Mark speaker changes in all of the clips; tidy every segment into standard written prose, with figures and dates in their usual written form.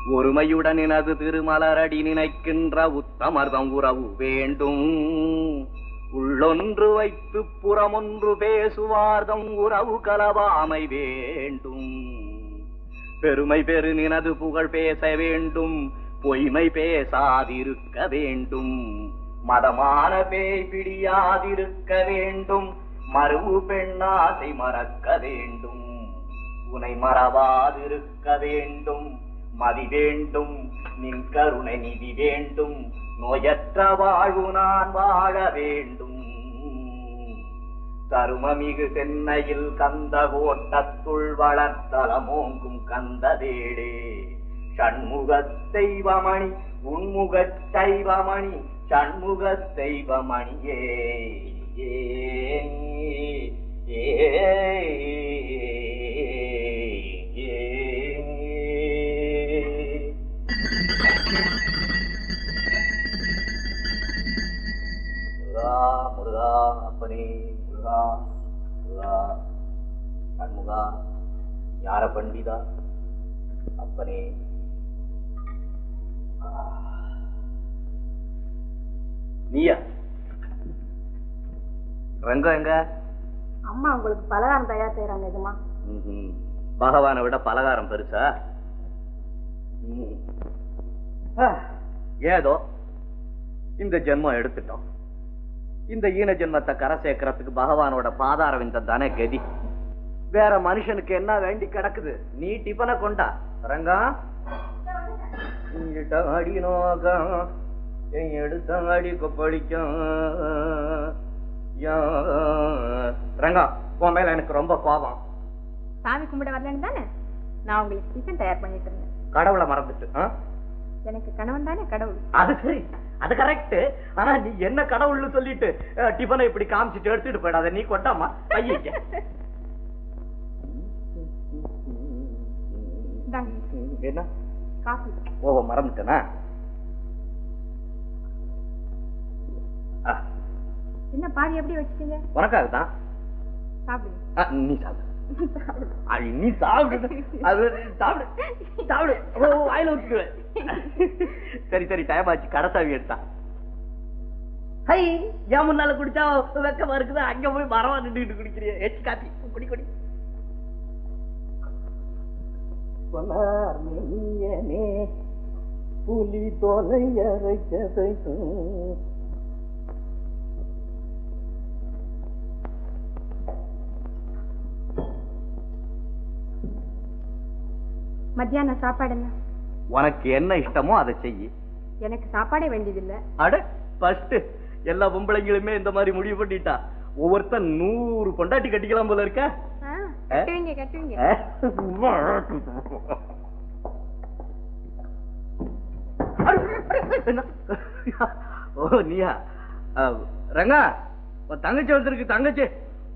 Speaker 1: ஒருமையுடன் எனது திருமலரடி நினைக்கின்ற உத்தமர்தம் உறவு வேண்டும். உள்ளொன்று வைத்து புறமொன்று பேசுவார்தம் உறவு கலவாமை வேண்டும். பெருமை பெரு நினது புகழ் பேச வேண்டும், பொய்மை பேசாதிருக்க வேண்டும். மதமான பேய் பிடியாதிருக்க வேண்டும், மறுவு பெண்ணாசை மறக்க வேண்டும். உனை மறவாதிருக்க வேண்டும், மதி வேண்டும், நின் கருணை நிதி வேண்டும். நோயற்ற வாழ்வு நான் வாழ வேண்டும். தருமமிகு சென்னையில் கந்த கோட்டத்துள் வளர்த்தலமோங்கும் கந்ததேடே. சண்முக தெய்வமணி உன்முக தெய்வமணி சண்முக தெய்வமணியே. முருகா முருகா அப்பனே முருகா முருகா சண்முகா ஞான பண்டிதா அப்பனே. நீயா? ரங்கம் எங்க?
Speaker 2: அம்மா உங்களுக்கு பலகாரம் தயார் செய்யறாங்க. இதுமா
Speaker 1: பகவானை விட பலகாரம் பெருசா? ஏதோ இந்த ஜென்மம் எடுத்துட்டோம். இந்த ஈன ஜென்மத்தை கரை சேர்க்கறதுக்கு பகவானோட பாதார விந்தம் தானே கதி. வேற மனுஷனுக்கு என்ன வேண்டி கிடக்குது? நீ டிபனை கொண்டா. ரங்கா அடி நோக்கம் எடுத்த அடி கொப்பளிக்கும். ரங்கா உன் மேல எனக்கு ரொம்ப கோபம்.
Speaker 2: சாமி கும்பிட வரலன்னு தானே நான் உங்களுக்கு டிஃபன் தயார் பண்ணிட்டு இருந்தேன்.
Speaker 1: கடவுளை மறந்துட்டு?
Speaker 2: எனக்கு கணவன் தானே கடவுள்.
Speaker 1: அது சரி, அது கரெக்ட். ஆனா நீ என்ன கடவுள்னு சொல்லிட்டு டிஃபனை இப்படி காமிச்சிட்டு எடுத்துட்டு போயிடாத. நீ கொட்டாமா ஐயா. என்ன
Speaker 2: காஃபி?
Speaker 1: ஓ மறந்துட்டேனா?
Speaker 2: என்ன பாதி எப்படி வச்சிட்டீங்க?
Speaker 1: உனக்காக தான்.
Speaker 2: சாப்பிடுங்க.
Speaker 1: நீ சாப்பிடு. நீ சாப்பிடு. அது சாப்பிடு சாப்பிடு. வாயில ஊத்துக்குவேன். சரி சரி டைம் ஆச்சு. கடைசாவி எடுத்தா. ஹை ஏன் முன்னால குடிச்சா வெக்கமா இருக்குது. அங்க போய் மரமா நின்றுட்டு குடிக்கிறிய. எச்சு காப்பி குடி குடி. புலி தோலை அரைக்கதைக்கும்
Speaker 2: மத்தியான சாப்பாடு என்ன?
Speaker 1: உனக்கு என்ன இஷ்டமோ அதை செய்யி.
Speaker 2: எனக்கு சாப்பாடே வேண்டியதில்லை.
Speaker 1: அட ஃபர்ஸ்ட் எல்லா பொம்பளைங்களுமே இந்த மாதிரி முடிவு பண்ணிட்டா. ஒவ்வொருத்தன் 100 பொண்டாட்டி கட்டிக்கலாம் போல இருக்க.
Speaker 2: கட்டுவீங்க கட்டுவீங்க.
Speaker 1: ஓ நீயா? ரங்கா தங்கச்சி வந்திருக்கு. தங்கச்சி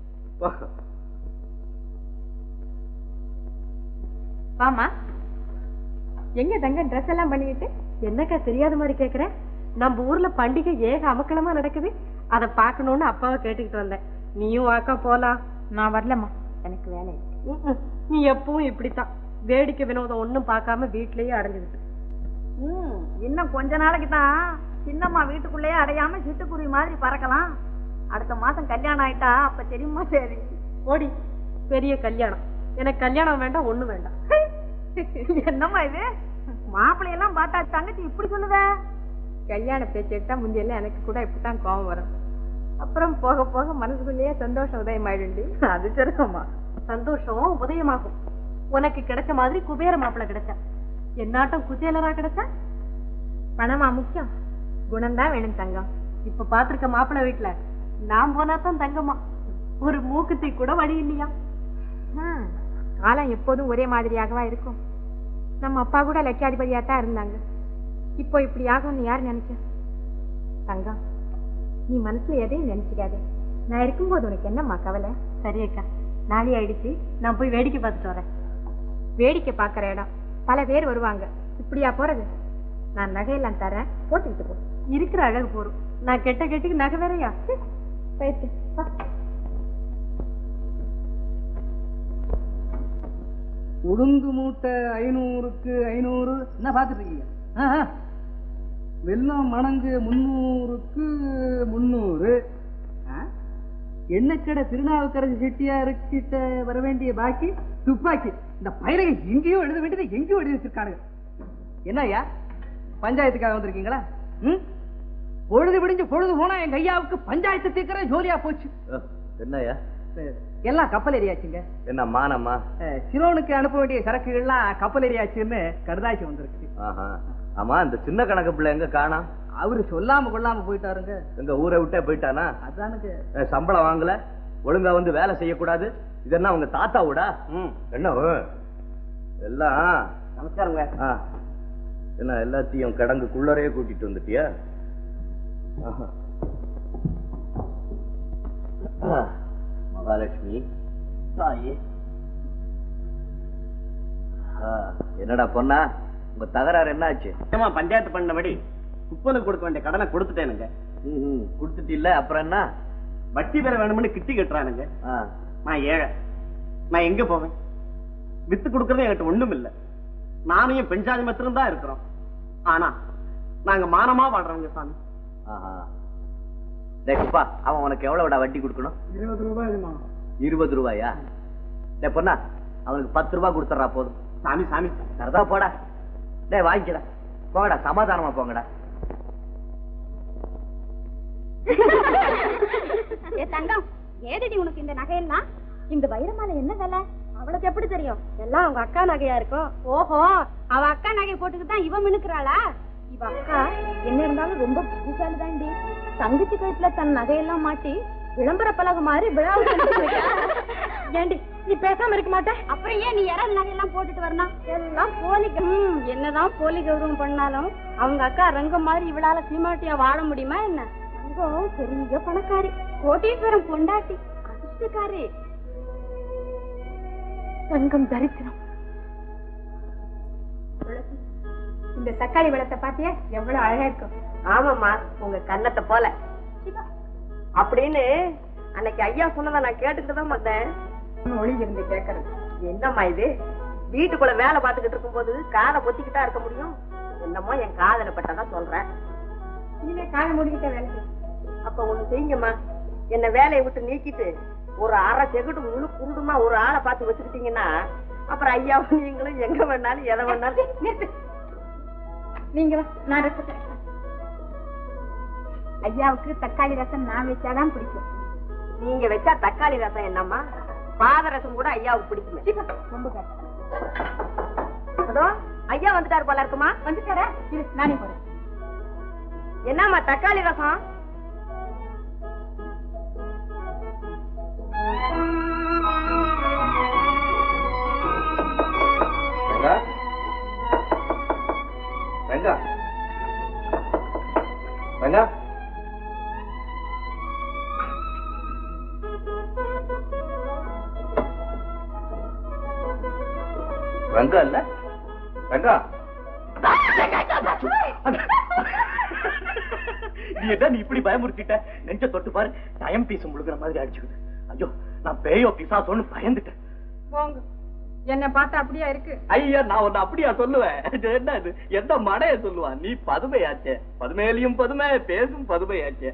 Speaker 2: வாமா. எங்க தங்க ட்ரெஸ் எல்லாம் பண்ணிக்கிட்டு? என்னக்கா தெரியாத மாதிரி கேக்குற? நம்ம ஊர்ல பண்டிகை ஏக அமக்கலமா நடக்குது. அதை பாக்கணும்னு அப்பாவை கேட்டுக்கிட்டு வந்தேன். நீயும் வாக்கா போலாம். நான் வரலம்மா, எனக்கு வேலை. நீ எப்பவும் இப்படித்தான் வேடிக்கை வினோதம் ஒண்ணும் பார்க்காம வீட்லயே அடைஞ்சுக்கிட்டு. இன்னும் கொஞ்ச நாளைக்கு தான் சின்னம்மா வீட்டுக்குள்ளேயே அடையாம சிட்டுக்குருவி மாதிரி பறக்கலாம். அடுத்த மாசம் கல்யாணம் ஆயிட்டா அப்ப தெரியுமா? சரி ஓடி. பெரிய கல்யாணம். எனக்கு கல்யாணம் வேண்டாம், ஒண்ணு வேண்டாம். என்னம்மா இது? மாப்பிள்ளையெல்லாம் பார்த்தா தங்கச்சி இப்படி சொல்லுத? கல்யாண பேச்சு எடுத்தா முந்தியெல்லாம் எனக்கு கூட இப்படித்தான் கோபம் வரும். அப்புறம் போக போக மனசுக்குள்ளேயே சந்தோஷம் உதயமாயிடுண்டு. அது சரிம்மா, சந்தோஷம் உதயமாகும். உனக்கு கிடைச்ச மாதிரி குபேர மாப்பிள்ளை கிடைச்சா. என்னாட்டம் குச்சேலரா கிடைச்சா? பணமா முக்கியம்? குணம்தான் வேணும் தங்கம். இப்ப பாத்திருக்க மாப்பிள்ளை வீட்டுல நான் போனாதான் தங்கம்மா. ஒரு மூக்குத்தி கூட வழி இல்லையா? காலம் எப்போதும் ஒரே மாதிரியாகவா இருக்கும்? நம்ம அப்பா கூட லட்சாதிபதியாத்தான் இருந்தாங்க. இப்போ இப்படி ஆகும்னு யாரு நினைச்ச? தங்கம், நீ மனசுல எதையும் நினைச்சுக்காத. நான் இருக்கும்போது உனக்கு என்னம்மா கவலை? சரி அக்கா, நாளை ஆயிடுச்சு. நான் போய் வேடிக்கை பார்த்துட்டு வரேன். வேடிக்கை பார்க்கற இடம், பல பேர் வருவாங்க. இப்படியா போறது? நான் நகையெல்லாம் தரேன், போட்டுக்கிட்டு போ. இருக்கிற அழகு போறோம். நான் கெட்ட கெட்டுக்கு நகை வேறையா? போயிட்டு
Speaker 3: உளுந்து மூட்டை 500க்கு 500 என்ன பார்த்துட்டு இருக்கீங்க? வெல்லம் மணங்கு 300க்கு 300. எண்ணக்கடை திருநாவுக்கரசு செட்டியாருக்கிட்ட வர வேண்டிய பாக்கி துப்பாக்கி. இந்த பயிரை எங்கேயோ எழுத வேண்டியதை எங்கேயோ எழுதி வச்சிருக்கானுங்க. என்ன ஐயா, பஞ்சாயத்துக்காக வந்திருக்கீங்களா? பொழுது விடிஞ்சு பொழுது போனா எங்க ஐயாவுக்கு பஞ்சாயத்து தீர்க்கிற ஜோலியா போச்சு.
Speaker 1: என்னையா
Speaker 3: எல்லாம் கப்பல் ஏறியாச்சுங்க.
Speaker 1: என்ன மானமா?
Speaker 3: சிலோனுக்கு அனுப்ப வேண்டிய சரக்குகள்லாம் கப்பல் ஏறியாச்சுன்னு கடுதாசி வந்திருக்கு.
Speaker 1: ஆமா, இந்த சின்ன கணக்கு பிள்ளை எங்க காணா?
Speaker 3: அவரு சொல்லாம கொள்ளாம போயிட்டாருங்க.
Speaker 1: எங்க ஊரை விட்டே போயிட்டானா?
Speaker 3: அதானுங்க.
Speaker 1: சம்பளம் வாங்கல, ஒழுங்கா வந்து வேலை செய்யக்கூடாது. இது என்ன உங்க தாத்தாவோடா? என்ன எல்லாம்?
Speaker 3: நமஸ்காரங்க.
Speaker 1: என்ன எல்லாத்தையும் கடங்குக்குள்ளரையே கூட்டிட்டு வந்துட்டியா? மகாலட்சுமி தாயே, என்னடா பொண்ணா, உங்க தகராறு என்ன ஆச்சு?
Speaker 4: பஞ்சாயத்து பண்ணபடி குப்பனுக்கு கொடுக்க வேண்டிய கடனை கொடுத்துட்டேனுங்க.
Speaker 1: கொடுத்துட்டு இல்ல, அப்புறம் என்ன?
Speaker 4: வட்டி பெற வேணும்னு கிட்டி கட்டுறானுங்க. நான் ஏழை, நான் எங்க போவேன்? வித்து கொடுக்கறது என்கிட்ட ஒண்ணும் இல்ல. நானும் என் பெண் ஜாதி மாத்திரம் தான் இருக்கிறோம். ஆனா நாங்க மானமா வாழ்றவங்க சாமி.
Speaker 1: குப்பா, அவன் உனக்கு எவ்வளவுடா வட்டி கொடுக்கணும்?
Speaker 3: 20 ரூபாய்.
Speaker 1: 20 ரூபாயா? பொண்ணா, அவனுக்கு 10 ரூபாய் கொடுத்துறா போதும்.
Speaker 4: சாமி சாமி
Speaker 1: சரதா போடா. வாங்கிக்கடா, போங்கடா, சமாதானமா போங்கடா.
Speaker 5: தங்கம், ஏதடி உனக்கு இந்த நகையெல்லாம்? இந்த வைரமால என்ன வேலை? அவளுக்கு எப்படி தெரியும்? எல்லாம் அவங்க அக்கா நகையா இருக்கும். ஓஹோ, அவ அக்கா நகை போட்டுக்கிட்டு தான் இவ மினுக்குறாளா? இவ அக்கா என்ன இருந்தாலும் ரொம்ப புத்திசாலிதாண்டி. தங்கச்சி கழுத்துல தன் நகையெல்லாம் மாட்டி விளம்பர பலகை மாதிரி விழாவுக்கு ஏண்டி நீ பேசாம இருக்க மாட்ட? அப்புறம் ஏன் நீ யாராவது நகையெல்லாம் போட்டுட்டு வரணும்? எல்லாம் போலி. என்னதான் போலி கௌரவம் பண்ணாலும் அவங்க அக்கா ரங்கம் மாதிரி இவளால சீமாட்டியா வாழ முடியுமா என்ன? ரங்கம் பெரிய பணக்காரி, கோட்டீஸ்வரம் பொண்டாட்டி, அதிர்ஷ்டக்காரி. ரங்கம் தரித்திரம். இந்த தக்காளி பழத்தை பாத்தியா எவ்வளவு அழகா இருக்கும்?
Speaker 2: ஆமாமா, உங்க கண்ணத்தை போல அப்படின்னு அன்னைக்கு ஐயா சொன்னதை நான் கேட்டுக்கிட்டு தான் வந்தேன். ஒளிஞ்சிருந்து கேட்கறது என்னம்மா இது? வீட்டுக்குள்ள வேலை பார்த்துக்கிட்டு இருக்கும் போது காதை பொத்திக்கிட்டா இருக்க முடியும்? என்னமோ என் காதல பட்டதான் சொல்றேன்.
Speaker 5: இனிமே காதை முடிக்கிட்ட வேலை.
Speaker 2: அப்ப ஒண்ணு செய்யுங்கம்மா, என்ன வேலையை விட்டு நீக்கிட்டு ஒரு அரை செகுடு முழு குருடுமா ஒரு ஆளை பார்த்து வச்சுக்கிட்டீங்கன்னா அப்புறம் ஐயாவும் நீங்களும் எங்க வேணாலும் எதை வேணாலும்.
Speaker 5: நீங்க நான் ஐயாவுக்கு தக்காளி ரசம் நான் வச்சாதான் பிடிக்கும்.
Speaker 2: நீங்க வச்சா தக்காளி ரசம் என்னம்மா, பாதரசம் கூட ஐயாவுக்கு பிடிக்குமே.
Speaker 5: ரொம்ப
Speaker 2: அதோ ஐயா வந்துட்டாரு போல இருக்குமா?
Speaker 5: வந்துட்டாரா? இரு நானே போறேன்.
Speaker 2: என்னம்மா தக்காளி ரசம்?
Speaker 1: ரங்கா, ரங்கா, ரங்கா இல்ல, ரங்கா. நீ என்ன நீ இப்படி பயமுறுத்திட்ட? நெஞ்ச தொட்டு பாரு, டைம் பீஸ் முழுகிற மாதிரி அடிச்சுக்குது. ஐயோ, நான் பேயோ பிசாசோன்னு பயந்துட்டேன்.
Speaker 5: போங்க, என்ன பார்த்தா அப்படியா இருக்கு?
Speaker 1: ஐயா, நான் உன்னை அப்படியா சொல்லுவேன்? என்ன இது, எந்த மடைய சொல்லுவான்? நீ பதுமையாச்சே, பதுமையிலையும் பதுமை, பேசும் பதுமையாச்சே.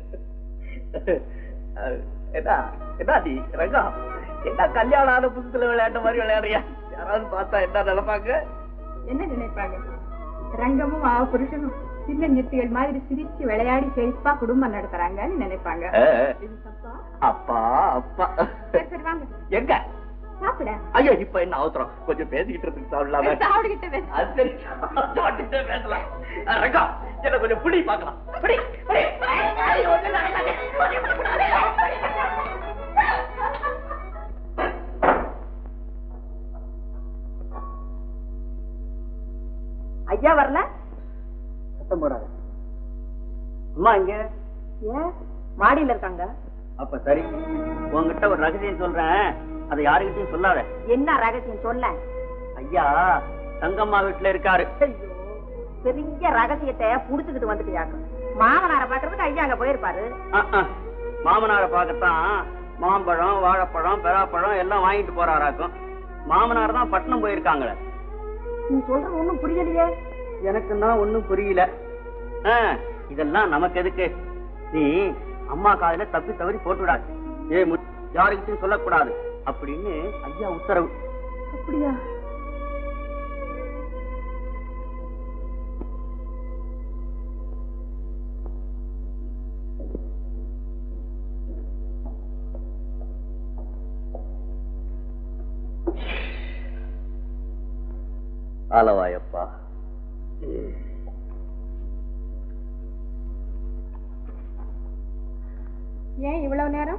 Speaker 1: என்ன என்ன நீ ரங்கா, என்ன கல்யாணம் ஆன புதுசுல விளையாட்ட மாதிரி விளையாடுறியா? யாராவது பார்த்தா என்ன நினைப்பாங்க?
Speaker 5: என்ன நினைப்பாங்க? ரங்கமும் புருஷனும் சின்ன நிறுத்திகள் மாதிரி சிரிச்சு விளையாடி செழிப்பா குடும்பம் நடத்துறாங்கன்னு நினைப்பாங்க.
Speaker 1: அப்பா அப்பா
Speaker 5: சரி வாங்க.
Speaker 1: எங்க
Speaker 5: சாப்பிட?
Speaker 1: ஐயோ, இப்ப என்ன அவசரம்? கொஞ்சம் பேசிக்கிட்டு இருக்கு, சாப்பிடலாமே. பேசலாம். ரங்கா, என்ன கொஞ்சம் புடி பாக்கலாம்.
Speaker 2: ஐயா வரல?
Speaker 3: சத்தம் போடாத.
Speaker 1: அம்மா இங்க
Speaker 2: ஏன் மாடியில இருக்காங்க?
Speaker 1: அப்ப சரி, உங்ககிட்ட ஒரு ரகசியம் சொல்றேன், அதை யாருக்கிட்டையும் சொல்லாத.
Speaker 2: என்ன ரகசியம் சொல்ல?
Speaker 1: ஐயா தங்கம்மா வீட்டுல இருக்காரு.
Speaker 2: ஐயோ, பெரிய ரகசியத்தை புடிச்சுக்கிட்டு வந்துட்டியாங்க. மாமனாரை பாக்குறதுக்கு ஐயா அங்க போயிருப்பாரு.
Speaker 1: மாமனாரை பார்க்கத்தான் மாம்பழம், வாழைப்பழம், பெறாப்பழம் எல்லாம் வாங்கிட்டு போறாராக்கும்.
Speaker 4: மாமனார் தான் பட்டணம் போயிருக்காங்களே.
Speaker 2: நீ சொல்றது ஒண்ணும் புரியலையே.
Speaker 4: எனக்கு தான் ஒண்ணும் புரியல. இதெல்லாம் நமக்கு எதுக்கு? நீ அம்மா காதுல தப்பி தவறி போட்டுடாது. யாருக்கிட்டையும் சொல்லக்கூடாது அப்படின்னு ஐயா உத்தரவு.
Speaker 2: அப்படியா?
Speaker 1: ஆலவாயப்பா.
Speaker 5: ஏன் இவ்வளவு நேரம்?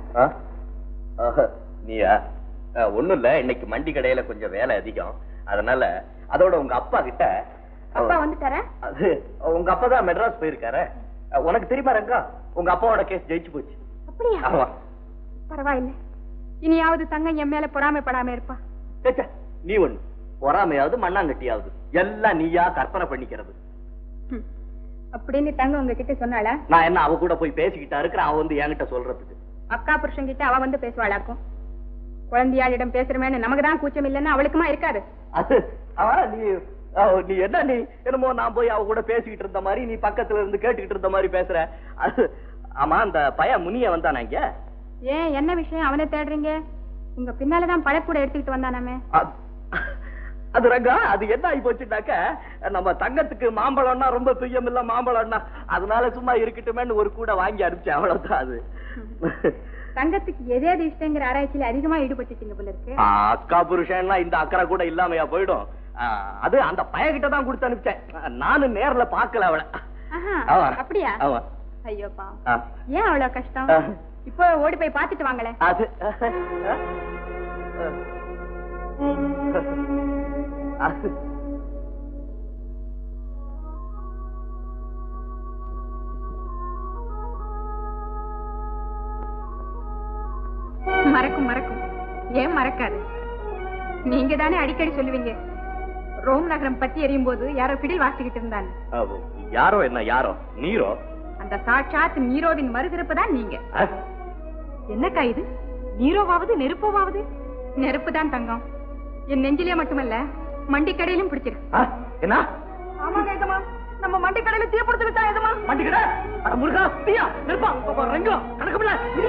Speaker 1: நீயா? ஒண்ணும் இல்ல, இன்னைக்கு மண்டி கடையில கொஞ்சம் வேலை அதிகம், அதனால அதோட உங்க அப்பா கிட்ட.
Speaker 5: அப்பா வந்துட்டாரா?
Speaker 1: அது உங்க அப்பா தான் மெட்ராஸ் போயிருக்காரு. உனக்கு தெரியுமா ரங்கா, உங்க அப்பாவோட கேஸ் ஜெயிச்சு போச்சு.
Speaker 5: அப்படியா?
Speaker 1: ஆமா.
Speaker 5: பரவாயில்ல, இனியாவது தங்கம் என் மேல பொறாமைப்படாம இருப்பா.
Speaker 1: நீ ஒண்ணு பொறாமையாவது மண்ணாங்கட்டியாவது எல்லாம் நீயா கற்பனை பண்ணிக்கிறது.
Speaker 5: அப்படின்னு தங்க உங்ககிட்ட சொன்னாளா?
Speaker 1: நான் என்ன அவ கூட போய் பேசிக்கிட்டா இருக்கிறேன், அவ வந்து என்கிட்ட சொல்றதுக்கு.
Speaker 5: அக்கா புருஷன் கிட்ட அவ வந்து பேசுவாளாக்கும். குழந்தையாளிடம் பேசுறமேன்னு நமக்கு தான் கூச்சம் இல்லைன்னு அவளுக்குமா இருக்காது.
Speaker 1: அது நீ என்ன, நீ என்னமோ நான் போய் அவ கூட பேசிக்கிட்டு இருந்த மாதிரி, நீ பக்கத்துல இருந்து கேட்டுக்கிட்டு இருந்த மாதிரி பேசுற. அது ஆமா, அந்த பையன் முனிய வந்தானா இங்க?
Speaker 5: ஏன், என்ன விஷயம் அவனை தேடுறீங்க? உங்க பின்னாலதான் பழக்கூட எடுத்துக்கிட்டு வந்தானாமே.
Speaker 1: அது ரங்கா, அது என்ன ஆகி போச்சுட்டாக்க, நம்ம தங்கத்துக்கு மாம்பழம்னா ரொம்ப பிரியம் இல்ல, மாம்பழம்னா அதனால சும்மா இருக்கட்டுமேன்னு ஒரு கூட வாங்கி அனுப்பிச்சேன், அவ்வளவுதான். அது
Speaker 5: தங்கத்துக்கு எதேது இஷ்டங்கிற ஆராய்ச்சியில அதிகமா ஈடுபட்டுட்டீங்க போல இருக்கு.
Speaker 1: அக்கா புருஷன்லாம் இந்த அக்கறை கூட இல்லாமையா போயிடும். அது அந்த பையன்கிட்ட தான் கொடுத்து அனுப்பிச்சேன், நானும் நேர்ல பாக்கல அவளை.
Speaker 5: அப்படியா? ஐயோப்பா, ஏன் அவ்வளவு கஷ்டம்? இப்போ ஓடி போய் பாத்துட்டு வாங்களே.
Speaker 1: அது
Speaker 5: மறக்கும் மறக்கும், ஏன் மறக்காது? நீங்க தானே அடிக்கடி சொல்லுவீங்க, ரோம் நகரம் பத்தி எரியும் போது யாரோ பிடில் வாசிக்கிட்டு இருந்தாங்க.
Speaker 1: யாரோ? என்ன யாரோ? நீரோ?
Speaker 5: அந்த சாட்சாத் நீரோவின் மறுதிருப்பு தான் நீங்க.
Speaker 2: என்னக்கா இது? நீரோவாவது நெருப்போவாவது?
Speaker 5: நெருப்பு தான் தங்கம். என் நெஞ்சிலே மட்டுமல்ல, மண்டி கடையிலும் பிடிச்சிருக்கு.
Speaker 1: என்ன?
Speaker 2: ஆமாங்க எஜமா, நம்ம மண்டி கடையில தீ பிடிச்சு விட்டா எஜமா.
Speaker 1: மண்டி கடை? முருகா, தீயா நெருப்பா? ரெங்கோ கணக்கு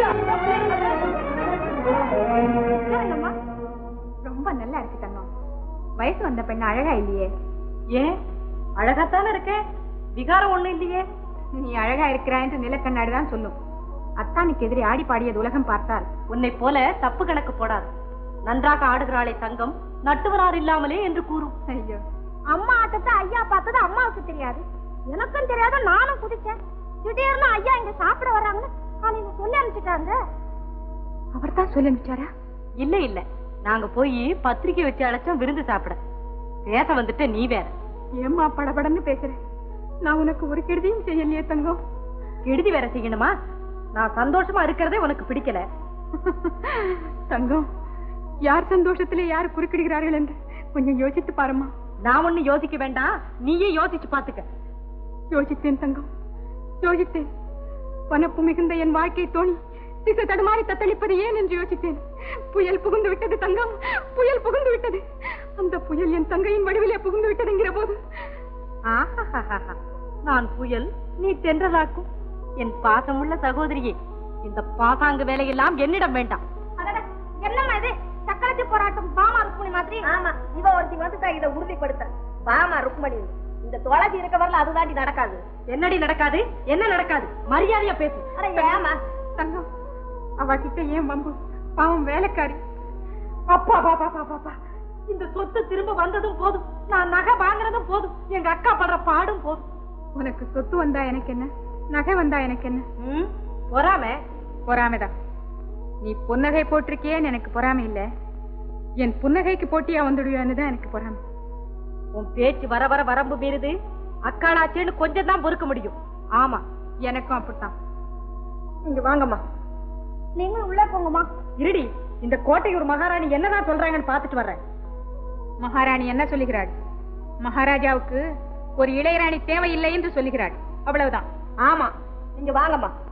Speaker 5: ரொம்ப நல்லா இருக்கு தங்கம். வயசு வந்த பெண்ணு அழகா இல்லையே?
Speaker 2: ஏன், அழகாத்தானே இருக்கேன், விகாரம் ஒண்ணு இல்லையே.
Speaker 5: நீ அழகா இருக்கிறாய் என்று நிலக்கண்ணாடிதான் சொல்லும். அத்தானுக்கு எதிரே ஆடி பாடியது உலகம் பார்த்தால்
Speaker 2: உன்னை போல தப்பு கணக்கு போடாது. நன்றாக ஆடுகிறாளே தங்கம், நட்டுவரார் இல்லாமலே என்று கூறும்.
Speaker 5: ஐயோ, அம்மா ஆட்டத்தை ஐயா பார்த்தது அம்மாவுக்கு தெரியாது, எனக்கும் தெரியாத நானும் குதிச்சேன். திடீர்னு ஐயா இங்க சாப்பிட வர்றாங்கன்னு காலையில சொல்லி அனுப்பிச்சிட்டாங்க. அவர் தான் சொல்லி அனுப்பிச்சாரா?
Speaker 2: இல்ல இல்ல, நாங்க போய் பத்திரிக்கை வச்சு அழைச்சோம் விருந்து சாப்பிட. பேச வந்துட்ட நீ வேற.
Speaker 5: ஏம்மா படபடன்னு பேசுறேன்? நான் உனக்கு ஒரு கெடுதியும் செய்யலையே தங்கம்.
Speaker 2: கெடுதி வேற செய்யணுமா? நான் சந்தோஷமா இருக்கிறதே உனக்கு பிடிக்கல.
Speaker 5: தங்கம், யார் சந்தோஷத்துல யார் குறுக்கிடுகிறார்கள் என்று கொஞ்சம் யோசித்து பாருமா.
Speaker 2: நான் ஒண்ணு யோசிக்க வேண்டாம், நீயே யோசிச்சு பாத்துக்க.
Speaker 5: யோசித்தேன் தங்கம், யோசித்தேன். வனப்பு மிகுந்த என் வாழ்க்கை தோணி திசை தடுமாறி தத்தளிப்பது ஏன் என்று யோசித்தேன். புயல் புகுந்து விட்டது தங்கம், புயல் புகுந்து விட்டது. அந்த புயல் என் தங்கையின் வடிவிலே புகுந்து விட்டதுங்கிற போது,
Speaker 2: நான் புயல், நீ தென்றலாக்கும். என் பாசமுள்ள சகோதரியே, இந்த பாசாங்கு வேலையெல்லாம் என்னிடம் வேண்டாம்.
Speaker 5: என்னம்மா இது சக்கரத்தி போராட்டம்? பாமா ருக்மணி மாதிரி.
Speaker 2: ஆமா, இவ ஒருத்தி வந்து இதை உறுதிப்படுத்த. பாமா ருக்மணி, இந்த தொலைச்சி இருக்க வரல அதுதாண்டி நடக்காது. என்னடி நடக்காது? என்ன நடக்காது? மரியாதையா பேசு.
Speaker 5: ஏமா தங்கம், அவகிட்ட ஏன் வம்பு? பாவம் வேலைக்காரி.
Speaker 2: அப்பா பாப்பா பாப்பா, இந்த சொத்து திரும்ப வந்ததும் போதும், நான் நகை வாங்குறதும் போதும், எங்க அக்கா படுற பாடும் போதும்.
Speaker 5: உனக்கு சொத்து வந்தா எனக்கு என்ன, நகை வந்தா எனக்கு என்ன?
Speaker 2: பொறாமை?
Speaker 5: பொறாமைதான். நீ புன்னகை போட்டிருக்கியேன்னு எனக்கு பொறாமை இல்ல, என் புன்னகைக்கு போட்டியா வந்துடுவேன்னு தான் எனக்கு பொறாமை.
Speaker 2: உன் பேச்சு வர வர வரம்பு மீறுது. அக்காளாச்சேன்னு கொஞ்சம் தான் பொறுக்க முடியும்.
Speaker 5: ஆமா, எனக்கும் அப்படித்தான்.
Speaker 2: இங்க வாங்கம்மா.
Speaker 5: நீங்களும் உள்ள போங்கம்மா.
Speaker 2: இருடி, இந்த கோட்டையூர் மகாராணி என்னதான் சொல்றாங்கன்னு பாத்துட்டு வர்றேன்.
Speaker 5: மகாராணி என்ன சொல்லுகிறாள்? மகாராஜாவுக்கு ஒரு இளையராணி தேவையில்லை என்று சொல்லுகிறாள், அவ்வளவுதான்.
Speaker 2: ஆமா, இங்க வாங்கம்மா.